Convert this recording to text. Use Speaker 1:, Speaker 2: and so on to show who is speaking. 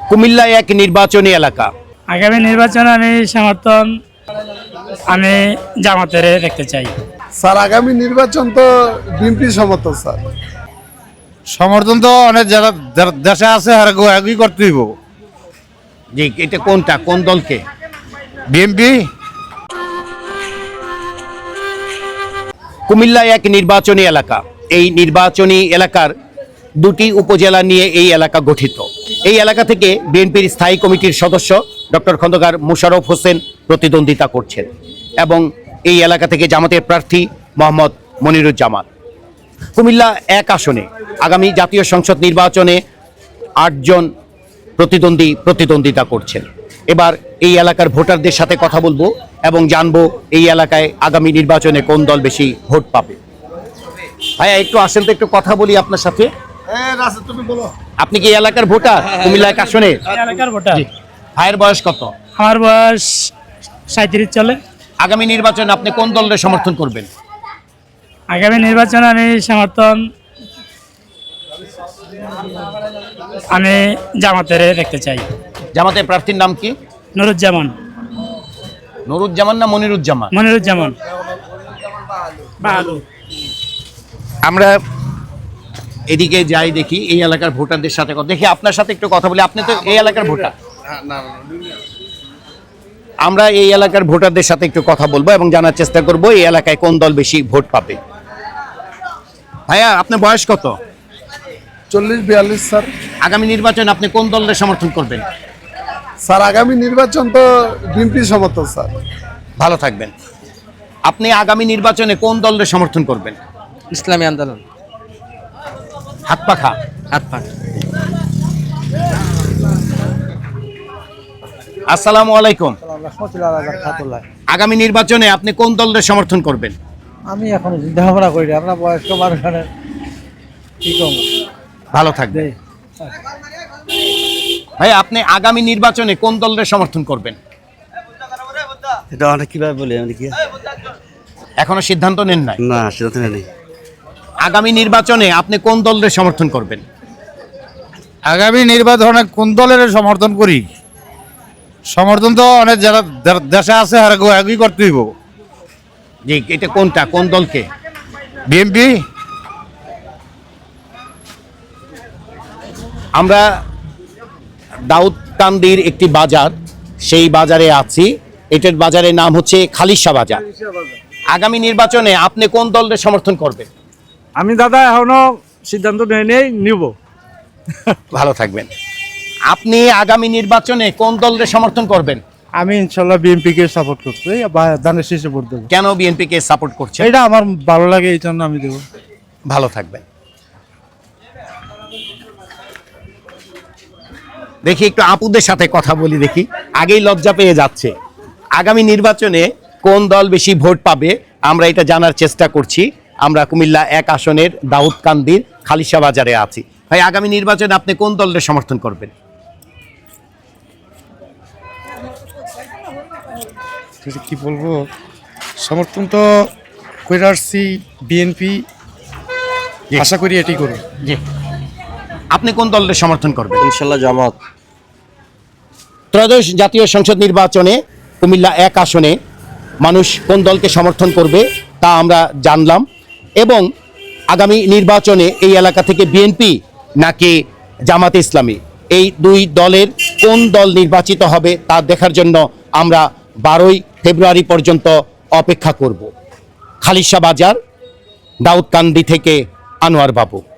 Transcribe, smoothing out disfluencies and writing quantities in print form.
Speaker 1: কুমিল্লা এক নির্বাচনী এলাকা।
Speaker 2: আগামী নির্বাচনে আমি জামাতের দেখতে চাই।
Speaker 3: স্যার আগামী নির্বাচন তো বিএনপি সমর্থন স্যার।
Speaker 4: সমর্থন তো অনেক যারা দেশে আছে আর একই করতে দিব।
Speaker 1: জি, এটা কোনটা, কোন দলকে?
Speaker 4: বিএনপি।
Speaker 1: কুমিল্লা এক নির্বাচনী এলাকা। এই নির্বাচনী এলাকার দুটি উপজেলা নিয়ে এই এলাকা গঠিত। এই এলাকা থেকে বিএনপির স্থায়ী কমিটির সদস্য ডক্টর খন্দকার মোশাররফ হোসেন প্রতিদ্বন্দ্বিতা করছেন এবং এই এলাকা থেকে জামাতের প্রার্থী মোহাম্মদ মনিরুজ্জামান। কুমিল্লা এক আসনে আগামী জাতীয় সংসদ নির্বাচনে 8 জন প্রতিদ্বন্দ্বিতা করছেন। এবার এই এলাকার ভোটারদের সাথে কথা বলবো এবং জানবো এই এলাকায় আগামী নির্বাচনে কোন দল বেশি ভোট পাবে। ভাইয়া একটু আসেন তো, একটু কথা বলি আপনার সাথে। আপনি কি এই এলাকার ভোটার? কুমিল্লা এক আসনে
Speaker 2: এলাকার ভোটার।
Speaker 1: ভাইয়ের বয়স কত?
Speaker 2: আমার বয়স 37 চলে।
Speaker 1: আগামী নির্বাচনে আপনি কোন দলের সমর্থন করবেন?
Speaker 2: আগামী নির্বাচনে আমি জামাতের দেখতে চাই।
Speaker 1: জামাতের প্রার্থীর নাম কি?
Speaker 2: নুরুজ্জামান।
Speaker 1: নুরুজ্জামান না মনিরুজ্জামান?
Speaker 2: মনিরুজ্জামান।
Speaker 1: আমরা এদিকে যাই, দেখি এই এলাকার ভোটারদের সাথে কথা দেখি। আপনার সাথে একটু কথা বলি, আপনি তো এই এলাকার ভোটার। আমরা এই এলাকার ভোটারদের সাথে একটু কথা বলবো এবং জানার চেষ্টা করব এই এলাকায় কোন দল বেশি ভোট পাবে। ভাইয়া আপনার বয়স কত?
Speaker 3: 40-42 স্যার।
Speaker 1: আগামী নির্বাচনে আপনি কোন দলের সমর্থন করবেন?
Speaker 3: স্যার আগামী নির্বাচন তো বিএনপি সমর্থন স্যার।
Speaker 1: ভালো থাকবেন। আপনি আগামী নির্বাচনে কোন দলের সমর্থন করবেন?
Speaker 5: ইসলামী আন্দোলন।
Speaker 1: হাত পাখা। আসসালামু আলাইকুম। আগামী নির্বাচনে আপনি কোন দলের সমর্থন করবেন?
Speaker 5: আমি এখন চিন্তাভাবনা করি, আমরা বয়স্ক মানুষ কি করবো।
Speaker 1: ভালো থাকবে ভাই। আপনি আগামী নির্বাচনে কোন দলের সমর্থন করবেন?
Speaker 6: এটা অনেক কিভাবে বলি আমি কি
Speaker 1: এখনো সিদ্ধান্ত নেন নাই?
Speaker 6: না, সিদ্ধান্ত নেই।
Speaker 1: আগামী নির্বাচনে আপনি কোন দলের সমর্থন করবেন?
Speaker 4: আগামী নির্বাচনে কোন দলের সমর্থন করি? সমর্থন তো অনেক যারা দেশে আছে আর একই করতে দিব।
Speaker 1: জি, এটা কোনটা, কোন দলকে?
Speaker 4: বিএনপি।
Speaker 1: আমরা দাউদকান্দির একটি বাজার, সেই বাজারে আছি। এটার বাজারের নাম হচ্ছে খালিশা বাজার। আগামী নির্বাচনে আপনি কোন দলের সমর্থন করবেন?
Speaker 5: আমি দাদা এখনো সিদ্ধান্ত নেই নিব।
Speaker 1: ভালো থাকবেন। আপনি আগামী নির্বাচনে কোন দলের সমর্থন করবেন?
Speaker 5: আমি ইনশাল্লাহ বিএনপি কে সাপোর্ট করছি, ধানের শীষে ভোট দেবো।
Speaker 1: কেন বিএনপি কে সাপোর্ট করছেন?
Speaker 5: এটা আমার ভালো লাগে, এই জন্য আমি দেবো।
Speaker 1: ভালো থাকবেন। দেখি একটু আপুদের সাথে কথা বলি, দেখি। আগেই লজ্জা পেয়ে যাচ্ছে। আগামী নির্বাচনে কোন দল বেশি ভোট পাবে আমরা এটা জানার চেষ্টা করছি। আমরা কুমিল্লা এক আসনের দাউদকান্দির খালিশা বাজারে আছি। ভাই আগামী নির্বাচনে আপনি কোন দলের সমর্থন করবেন?
Speaker 7: কি বলবো, সমর্থন তো করে আসছি বিএনপি, আশা করি এটি করব।
Speaker 1: জি, আপনি কোন দলের সমর্থন করবেন?
Speaker 6: ইনশাল্লাহ জামাত।
Speaker 1: ত্রয়োদশ জাতীয় সংসদ নির্বাচনে কুমিল্লা এক আসনে মানুষ কোন দলকে সমর্থন করবে তা আমরা জানলাম এবং আগামী নির্বাচনে এই এলাকা থেকে বিএনপি নাকি জামাতে ইসলামী, এই দুই দলের কোন দল নির্বাচিত হবে তা দেখার জন্য আমরা 12ই ফেব্রুয়ারি পর্যন্ত অপেক্ষা করব। খালিশা বাজার, দাউদকান্দি থেকে আনোয়ার বাবু।